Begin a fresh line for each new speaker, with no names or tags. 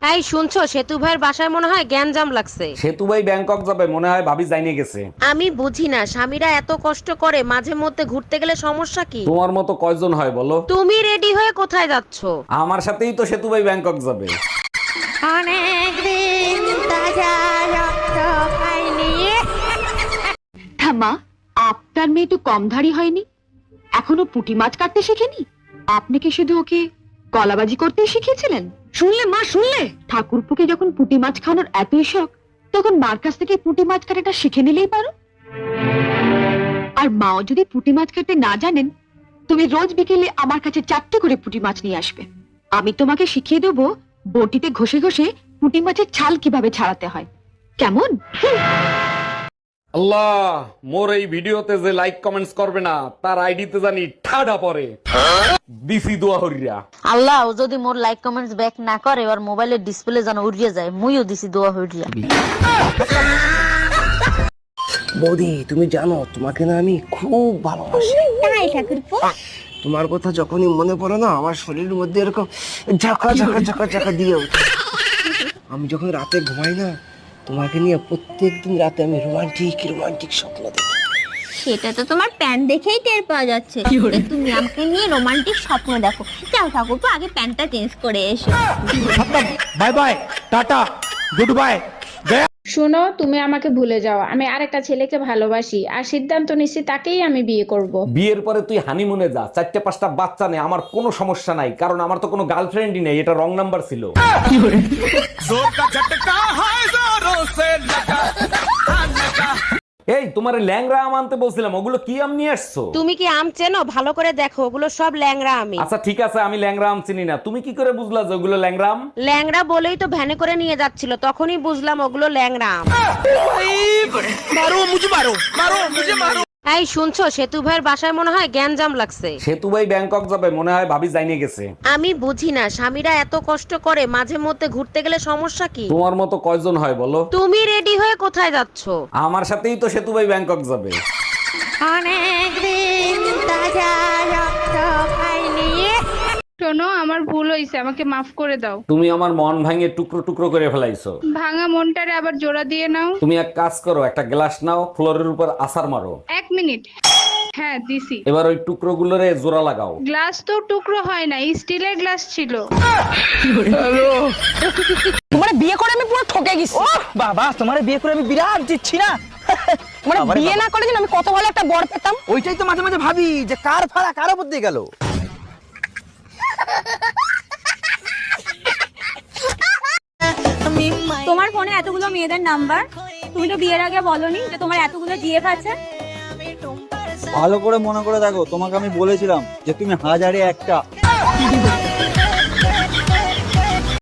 এই শুনছো, সেতু ভাইয়ের বাসায় মনে হয় গ্যাঞ্জাম লাগছে।
সেতু ভাই ব্যাংকক যাবে, মনে হয় ভাবি যাইনে গেছে।
আমি বুঝি না, স্বামীরা এত কষ্ট করে, মাঝে মধ্যে ঘুরতে গেলে সমস্যা কি?
তোমার মতো কয়জন হয় বলো?
তুমি রেডি হয়ে কোথায় যাচ্ছো?
আমার সাথেই তো সেতু ভাই ব্যাংকক যাবে।
মা, আপনার মেয়ে তো কম ধাড়ি হয়নি, এখনো পুঁটি মাছ কাটতে শেখেনি। আপনি কি শুধু ওকে কলাবাজি করতে শিখিয়েছিলেন? শুনলে মা, শুনলে ঠাকুরপুকে যখন পুঁটি মাছ খাওয়ানোর এতই শখ, তখন মার কাছ থেকে পুঁটি মাছ কাটাটা শিখে নিলেই পারো। আর মাও যদি পুঁটি মাছ কাটতে না জানেন, তুমি রোজ বিকেলে আমার কাছে 4টে করে পুঁটি মাছ নিয়ে আসবে। আমি তোমাকে শিখিয়ে দেবো বটিতে ঘষে ঘষে পুঁটি মাছের ছাল কিভাবে ছাড়াতে হয়। কেমন?
আল্লাহ, মোর এই ভিডিওতে যে লাইক কমেন্টস করবে না, তার আইডিতে জানি ঠাডা পড়ে। দিছি দোয়া হরিয়া।
আল্লাহ, ও যদি মোর লাইক কমেন্টস ব্যাক না করে, আর মোবাইলের ডিসপ্লে যেন উড়িয়ে যায়, মুইও দিছি দোয়া হইয়া।
বৌদি, তুমি জানো তোমাকে না আমি খুব ভালোবাসি।
তাই ঠাকুরপো?
তোমার কথা যখনই মনে পড়ে না, আমার শরীরের মধ্যে এরকম ঝাঁকা ঝাঁকা ঝাঁকা ঝাঁকা দিয়ে ওঠে। আমি যখন রাতে ঘুমাই না, তোমাকে নিয়ে প্রত্যেকদিন রাতে আমি রোমান্টিক রোমান্টিক স্বপ্ন দেখি।
সেটা তো তোমার প্যান্ট দেখেই টের পাওয়া যাচ্ছে যে তুমি আমাকে নিয়ে রোমান্টিক স্বপ্ন দেখো। যাও ঠাকুরপো, আগে প্যান্টটা চেঞ্জ করে এসো।
Bye bye, tata, good bye.
শোনো, তুমি আমাকে ভুলে যাও। আমি আরেকটা ছেলেকে ভালোবাসি, আর সিদ্ধান্ত নিচ্ছি তাকেই আমি বিয়ে করব।
বিয়ের পরে তুই হানিমুনে যা, 4-5টা বাচ্চা নে, আমার কোনো সমস্যা নাই, কারণ আমার তো কোনো গার্লফ্রেন্ডই নেই, এটা রং নাম্বার ছিল। এই তোমার ল্যাংরা আম আনতে বলছিলাম, ওগুলো কি আম নিয়ে আসছো?
তুমি কি আম চেনো? ভালো করে দেখো, ওগুলো সব ল্যাংড়া আমি।
আচ্ছা ঠিক আছে, আমি ল্যাংরা আম চিনি না, তুমি কি করে বুঝলা যে ওগুলো ল্যাংরা আম?
ল্যাংড়া বলেই তো ভ্যানে করে নিয়ে যাচ্ছিল, তখনই বুঝলাম ওগুলো ল্যাংড়া আম। এই শুনছো, সেতু ভাইয়ের বাসায় মনে হয় গ্যাঞ্জাম লাগছে।
সেতু ভাই ব্যাংকক যাবে, মনে হয় ভাবি যাইনে গেছে।
আমি বুঝি না, স্বামীরা এত কষ্ট করে, মাঝে মধ্যে ঘুরতে গেলে সমস্যা কি?
তোমার মতো কয়জন হয় বলো?
তুমি রেডি হয়ে কোথায় যাচ্ছো?
আমার সাথেই তো সেতু ভাই ব্যাংকক যাবে।
শোনো, আমার ভুল হয়েছে, আমাকে মাফ করে দাও।
তুমি আমার মন ভাঙে টুকরো টুকরো করে ফেলাইছো।
ভাঙা মনটারে আবার জোড়া দিয়ে নাও।
তুমি এক কাজ করো, একটা গ্লাস নাও, ফ্লোরের উপর আছাড় মারো।
1 মিনিট। হ্যাঁ, দিছি।
এবার ওই টুকরো গুলোরে জোড়া লাগাও।
গ্লাস তো টুকরো হয় না, স্টিলের গ্লাস ছিল।
তোমার বিয়ে করে আমি পুরো ঠকে গেছি।
বাবা, তোমার বিয়ে করে আমি বিরাট জিতছি না।
মানে বিয়ে না করে আমি কত ভালো একটা বর পেতাম।
ওইটাই তো মাঝে মাঝে ভাবি যে কার ফাড়া কার উপর দিয়ে গেল।
তোমার ফোনে এতগুলো মেয়েদের নাম্বার, তুমি তো বিয়ের আগে বলনি যে তোমার এতগুলো জিএফ আছে।
ভালো করে মনে করে দেখো, তোমাকে আমি বলেছিলাম যে তুমি হাজারে একটা।